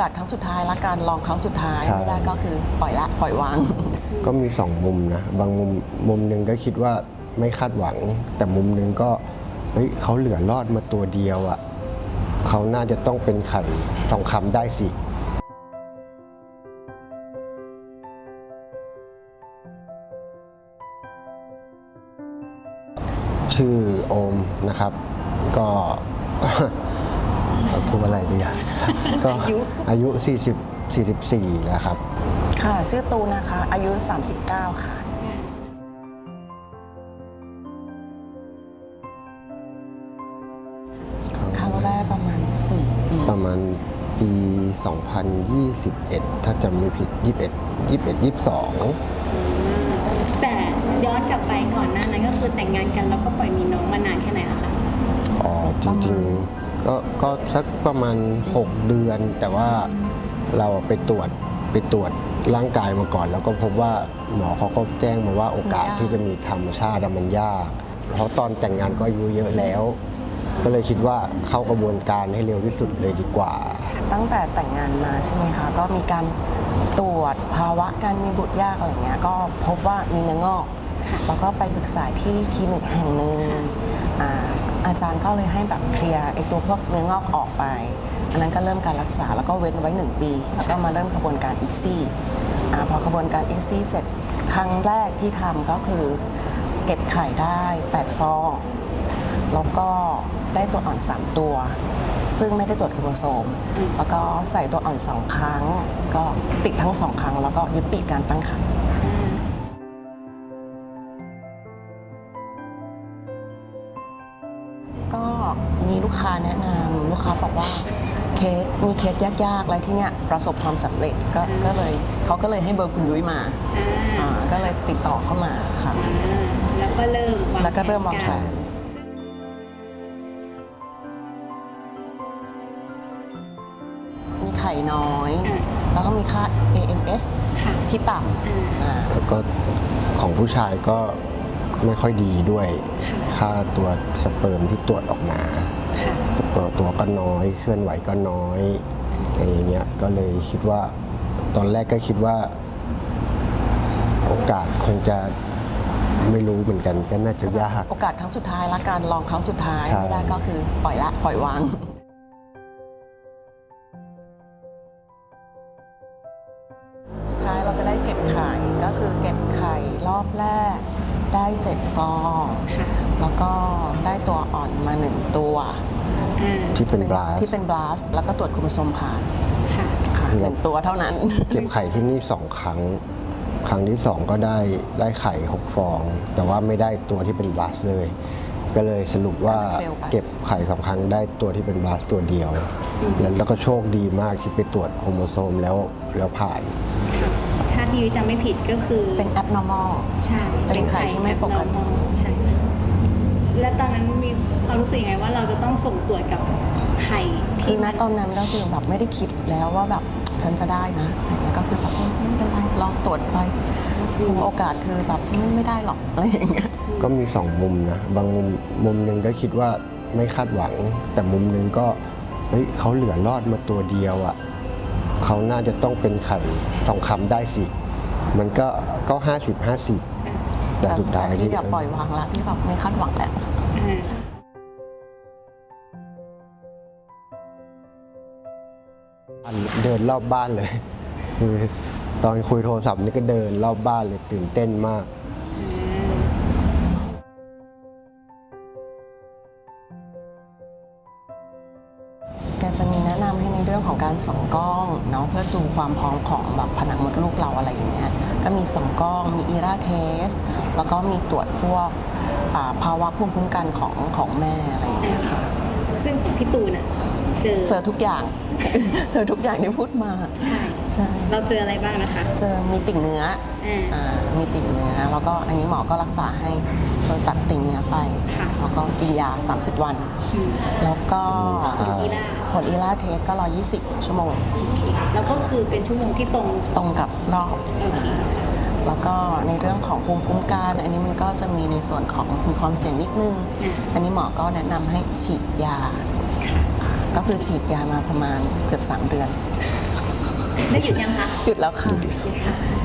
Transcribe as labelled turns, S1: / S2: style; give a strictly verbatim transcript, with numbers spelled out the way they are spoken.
S1: อกาสครั้งสุดท้ายละการลองครั้งสุดท้ายไม่ได้ก็คือปล่อยละปล่อยวาง
S2: ก็มีสองมุมนะบางมุมมุมหนึ่งก็คิดว่าไม่คาดหวัง แต่มุมหนึ่งก็เฮ้ยเขาเหลือรอดมาตัวเดียวอ่ะเขาน่าจะต้องเป็นไข่ทองคำได้สิชื่อโอมนะครับก็พูดอะไรดีอ่ะก็อายุสี่สิบ สี่สิบสี่แล้วครับ
S1: ค่ะชื่อตูนนะคะอายุสามสิบเก้าค่ะครั้งแรกประมาณสี่ปี
S2: ประมาณปี สองพันยี่สิบเอ็ด ถ้าจำไม่ผิด ยี่สิบเอ็ด ยี่สิบเอ็ด ยี่สิบสอง
S3: แต่ย้อนกลับไปก่อนหน้านั้นก็คือแต่งงานกันแล้วก็ปล่อยมีน้องมานานแค่ไหนล่ะคะ
S2: อ๋อจริงๆก็ก็สักประมาณหกเดือนแต่ว่าเราไปตรวจไปตรวจร่างกายมาก่อนแล้วก็พบว่าหมอเขาก็แจ้งมาว่าโอกาสที่จะมีธรรมชาติมันยากเพราะตอนแต่งงานก็อายุเยอะแล้วก็เลยคิดว่าเข้ากระบวนการให้เร็วที่สุดเลยดีกว่า
S1: ตั้งแต่แต่งงานมาใช่ไหมคะก็มีการตรวจภาวะการมีบุตรยากอะไรเงี้ยก็พบว่ามีเนื้องอกแล้วก็ไปปรึกษาที่คลินิกแห่งหนึ่ง อา อาจารย์ก็เลยให้แบบเคลียร์ไอ้ตัวพวกเนื้องอกออกไปอันนั้นก็เริ่มการรักษาแล้วก็เว้นไว้หนึ่งปีแล้วก็มาเริ่มกระบวนการอีกซี่พอกระบวนการอีกซี่เสร็จครั้งแรกที่ทำก็คือเก็บไข่ได้แปดฟองแล้วก็ได้ตัวอ่อนสามตัวซึ่งไม่ได้ตรวจโครโมโซมแล้วก็ใส่ตัวอ่อนสองครั้งก็ติดทั้งสองครั้งแล้วก็ยุติการตั้งครรภ์ก็มีลูกค้าแนะนำลูกค้าบอกว่าเคสมีเคสยากๆอะไรที่เนี้ยประสบความสำเร็จก็ก็เลยเขาก็เลยให้เบอร์คุณยุ้ยมาก็เลยติดต่อเข้ามาค่ะ
S3: แล้วก็เริ่ม
S1: แล้วก็เริ่มวางแผนมีไข่น้อยแล้วก็มีค่า เอ เอ็ม เอส ที่ต่ำ
S2: แล้วก็ของผู้ชายก็ไม่ค่อยดีด้วยค่าตัวสเปิร์มที่ตรวจออกมาตัวก็น้อยเคลื่อนไหวก็น้อยอะไรเงี้ยก็เลยคิดว่าตอนแรกก็คิดว่าโอกาสคงจะไม่รู้เหมือนกันก็น่าจะยาก
S1: โอกาสครั้งสุดท้ายละการลองครั้งสุดท้ายไม่ได้ก็คือปล่อยละปล่อยวางสุดท้ายเราก็ได้เก็บไข่ก็คือเก็บไข่รอบแรกได้เจ็ดฟองแล้วก็ได้ตัวอ่อนมาหนึ่งตัว
S2: ที่เป็นบลาส
S1: ที่เป็นบลาสแล้วก็ตรวจโครโมโซมผ่านค่ะหนึ่งตัวเท่านั้น
S2: เก็บไข่ที่นี่สองครั้งครั้งที่สองก็ได้ได้ไข่หกฟองแต่ว่าไม่ได้ตัวที่เป็นบลาสเลยก็เลยสรุปว่าเก็บไข่สองครั้งได้ตัวที่เป็นบลาสตัวเดียวแล้วก็โชคดีมากที่ไปตรวจโครโมโซมแล้วแล้วผ่าน
S3: ถ้าที่ยุ้ยจำไม่ผิดก็คือ
S1: เป็น abnormal
S3: ใช่
S1: เป็นไข่ที่ไม่ปกติ
S3: ใช่และตอนนั้นมีความรู้สึกยังไงว่าเราจะต้องส่งตรวจกับไข่
S1: คือณตอนนั้นก็คือแบบไม่ได้คิดแล้วว่าแบบฉันจะได้นะอะไรเงี้ยก็คือแบบไม่เป็นไรลองตรวจไปโอกาสคือแบบไม่ได้หรอกอะไรอย่างเงี้ย
S2: ก็มีสองมุมนะบางมุมมุมหนึ่งก็คิดว่าไม่คาดหวัง แต่มุมหนึ่งก็เฮ้ยเขาเหลือรอดมาตัวเดียวอ่ะเขาน่าจะต้องเป็นไข่ทองคำได้สิมันก็ก็ห้าสิบห้าสิบแต่สุดท้าย
S1: ที่อย่าปล่อยวางละที่แบบไม่คาดหวังแล้ว
S2: เดินรอบบ้านเลยคือตอนคุยโทรศัพท์นี่ก็เดินรอบบ้านเลยตื่นเต้นมาก
S1: แกจะมีแนะนำให้ในเรื่องของการส่องกล้องเนาะเพื่อดูความพร้อมของแบบผนังมดลูกเราอะไรอย่างเงี้ยก็มีส่องกล้องมีอีราเทสแล้วก็มีตรวจพวกภาวะภูมิคุ้มกันของของแม่อะไรอย่างเงี้ยค่ะ
S3: ซึ่งของพี่ตูนอ่ะเจอ
S1: เจอทุกอย่างเจอทุกอย่างที่พูดมา
S3: ใช่ใช่เราเจออะไรบ้างนะคะ
S1: เจอมีติ่งเนื้ออ่ามีติ่งเนื้อแล้วก็อันนี้หมอก็รักษาให้โดยตัดติ่งเนื้อไปแล้วก็กินยาสามสิบวันแล้วก็ผลอีล่าเทสก็หนึ่งร้อยยี่สิบชั่วโมง
S3: แล้วก็คือเป็นชั่วโมงที่ตรง
S1: ตรงกับรอบแล้วก็ในเรื่องของภูมิคุ้มกันอันนี้มันก็จะมีในส่วนของมีความเสี่ยงนิดนึงอันนี้หมอก็แนะนำให้ฉีดยาก็คือฉีดยามาประมาณเกือบสามเดือน
S3: ได้หยุดยังคะ
S1: หยุดแล้วค่ะ
S3: โอเคค่ะ